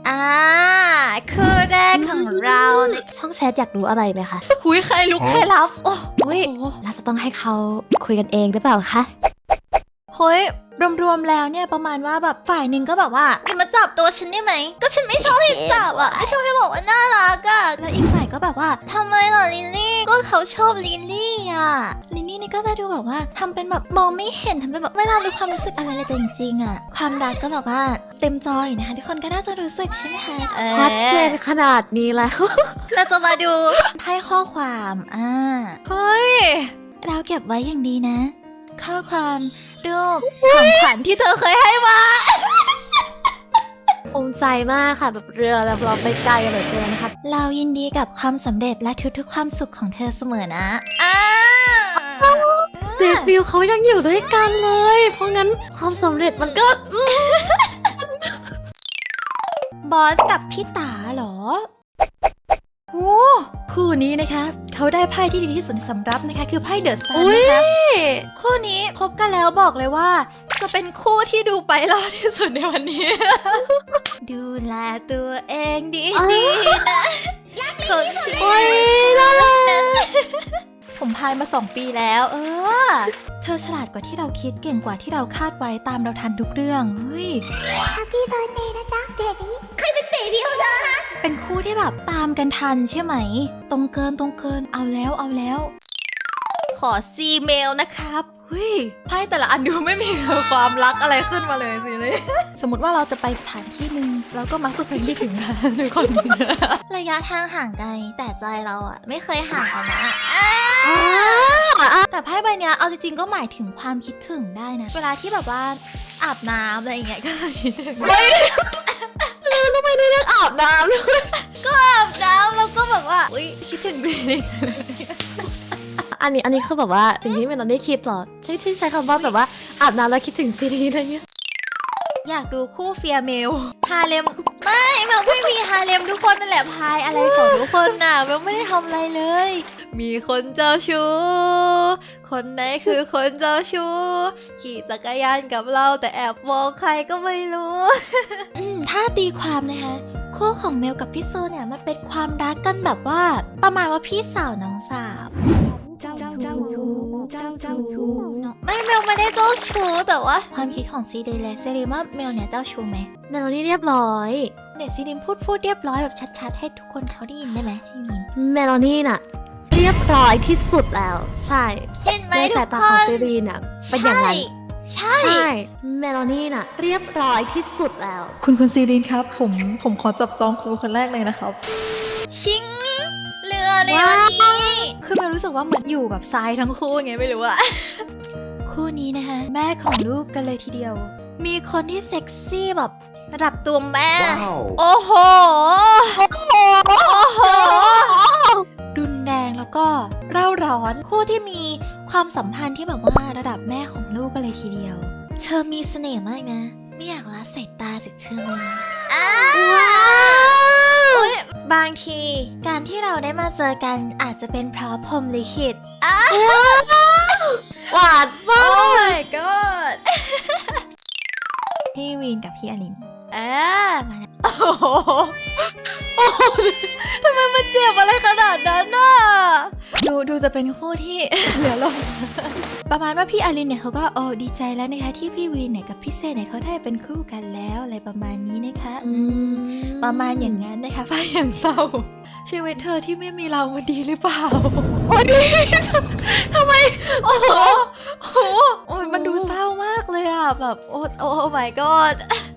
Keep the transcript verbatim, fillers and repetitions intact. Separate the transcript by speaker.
Speaker 1: อ่าคือแรกของเราใน
Speaker 2: ช่องแชทอยากรู้อะไรไหมคะ
Speaker 1: คุยใครลุกใครรับโอ้
Speaker 2: เฮ้ยเราจะต้องให้เขาคุยกันเองหรือเปล่าคะ
Speaker 1: เฮ้ยรวมๆแล้วเนี่ยประมาณว่าแบบฝ่ายหนึ่งก็แบบว่าอย่ามาจับตัวฉันได้ไหมก็ฉันไม่ชอบให้จับอ่ะไม่ชอบให้บอกว่าน่ารักอ่ะแล้วอีกฝ่ายก็แบบว่าทำไมล่ะลิลลี่ก็เขาชอบลิลลี่อ่ะลิลลี่นี่ก็จะดูแบบว่าทำเป็นแบบมองไม่เห็นทำเป็นแบบไม่รับรู้ความรู้สึกอะไรเลยแต่จริงๆอ่ะความรักก็แบบว่าเต็มจออยู่นะคะทุกคนก็น่าจะรู้สึกใช่ไหมคะเออ
Speaker 2: ชัดเจนขนาดนี้แล้ว
Speaker 1: เราจะมาดูไพ่ข้อความอ่าเฮ้ยเราเก็บไว้อย่างดีนะ ข้อความรูปของขวัญที่เธอเคยให้มา
Speaker 2: ภูมิใจมากค่ะแบบเรือแล้วเราไปไกลเหลือเกินนะคะ
Speaker 1: เรายินดีกับความสำเร็จและทุกๆความสุขของเธอเสมอนะอ่า
Speaker 2: เดบิวต์เขายังอยู่ด้วยกันเลย เพราะงั้นความสำเร็จมันก็
Speaker 1: บอสกับพี่ตาเหรอโอ้คู่นี้นะคะเขาได้ไพ่ที่ดีที่สุดสำหรับนะคะคือไพ่เดอะซัน
Speaker 2: อุ๊ย
Speaker 1: นะคะคู่นี้คบกันแล้วบอกเลยว่า จะเป็นคู่ที่ดูไปรอดที่สุดในวันนี้ ดูแลตัวเองดีๆนะคนที่
Speaker 2: โอ้ยน่ารัก
Speaker 1: ผมพายมาสองปีแล้ว เออ เธอฉลาดกว่าที่เราคิดเก่งกว่าที่เราคาดไว้ตามเราทันทุกเรื่องเฮ้ย
Speaker 3: Happy birthday นะจ๊ะเบบี้ใครเป็นเบบี้ของเธอคะ
Speaker 1: เป็นคู่ที่แบบตามกันทันใช่ไหม ตรงเกินตรงเกินเอาแล้วเอาแล้ว ขอซีเมลนะครับเฮ้ยไพ่แต่ละอันดูไม่มีความรักอะไรขึ้นมาเลยสิเลย สมมติว่าเราจะไปสถานที่หนึ่งเราก็มักจะไปไม่ถึงกันทุกคน ระยะทางห่างไกลแต่ใจเราอะไม่เคยห่างกันนะอ่าแต่ไพ่ใบเนี้ยเอาจริงๆก็หมายถึงความคิดถึงได้นะ เวลาที่แบบว่าอาบน้ำอะไรอย่างเงี้ยก็คิดถึง
Speaker 2: ทำไมได้เรื่องอาบน้ำด้วย
Speaker 1: อาบน้ำแล้วก็แบบว่าอุ้ยคิดถึงดี
Speaker 2: อันนี้อันนี้คือแบบว่าสิ่งที่เมลอนได้คิดเหรอ ใช่ที่ใช้คำว่าแบบว่าอาบน้ำแล้วคิดถึงซีรีส์อะไรเงี้ย
Speaker 1: อยากดูคู่เฟียเมลฮาเลมไม่เมลไม่มีฮาเลมทุกคนนั่นแหละพายอะไรของทุกคนน่ะเมลไม่ได้ทำอะไรเลย มีคนเจ้าชู้คนไหนคือคนเจ้าชู้ขี่จักรยานกับเราแต่แอบมองใครก็ไม่รู้ อืมถ้าตีความนะคะคู่ของเมลกับพี่โซเนี่ยมันเป็นความรักกันแบบว่า ประมาณว่าพี่สาวน้องสาว
Speaker 3: เจ้าเจ้าชู้เจ้าเจ้าชู้
Speaker 1: ไม่เมลไม่ได้เจ้าชู้แต่ว่าความคิดของซีเดย์และซีรีว่าเมลเนี่ยเจ้าชู้ไหม
Speaker 2: เมลอนนี่เรียบร้อย
Speaker 1: เด็กซีดิมพูดพูดเรียบร้อยแบบชัดๆให้ทุกคนเขาได้ยินได้ไหมที่มิน
Speaker 2: เมลอนนี่น่ะ เรียบร้อยที่สุดแล้ว ใช่
Speaker 1: เห็นไหม
Speaker 2: ใน
Speaker 1: ทุ
Speaker 2: สาย
Speaker 1: ก
Speaker 2: ตา
Speaker 1: ค
Speaker 2: ของ
Speaker 1: น
Speaker 2: ซีรีส์น่ะเป็นอย่างนั้น
Speaker 1: ใช่
Speaker 2: ใช่เมลอนนี่น่ะ เรียบร้อยที่สุดแล้ว
Speaker 4: คุณคุณซีรีนครับ ผมผมขอจับจองครูคนแรกเลยนะครับ
Speaker 1: ชิงเรือในวันนี้คือเมลรู้สึกว่าเหมือนอยู่แบบทรายทั้งคู่ไงไม่รู้อะ คู่นี้นะคะแม่ของลูกกันเลยทีเดียว มีคนที่เซ็กซี่แบบระดับตัวแม่ โอ้โห โอ้โห โอ้โห รุนแรงแล้วก็เร่าร้อนคู่ที่มีความสัมพันธ์ที่แบบว่าระดับแม่ของลูกกันเลยทีเดียว เธอมีเสน่ห์มากนะ ไม่อยากละสายตาจากเธอเลยอ้าวอุ๊ยบางทีการที่เราได้มาเจอกันอาจจะเป็นเพราะพรหมลิขิตอ้าว
Speaker 2: หวานมา
Speaker 1: โอ้
Speaker 2: ก
Speaker 1: my god พี่วีนกับพี่อลินเออมาแล้วโอ้โหทำไมมันเจ็บอะไรขนาดนั้นน่ะ ดูดูจะเป็นคู่ที่ เหลือลม ประมาณว่าพี่อลินเนี่ยเขาก็โอ้ดีใจแล้วนะคะที่พี่วีนเนี่ยกับพี่เซนเนี่ยเขาได้เป็นคู่กันแล้วอะไรประมาณนี้นะคะ
Speaker 2: อืม
Speaker 1: ประมาณอย่างนั้นนะคะฟ้าอย่างเศร้า ชีวิตเธอที่ไม่มีเรามันดีหรือเปล่า
Speaker 2: โอ้ยทำไม
Speaker 1: โอ้โหโอ้โหโอ้ยมันดูเศร้ามากเลยอ่ะแบบโอ้โอ้ my god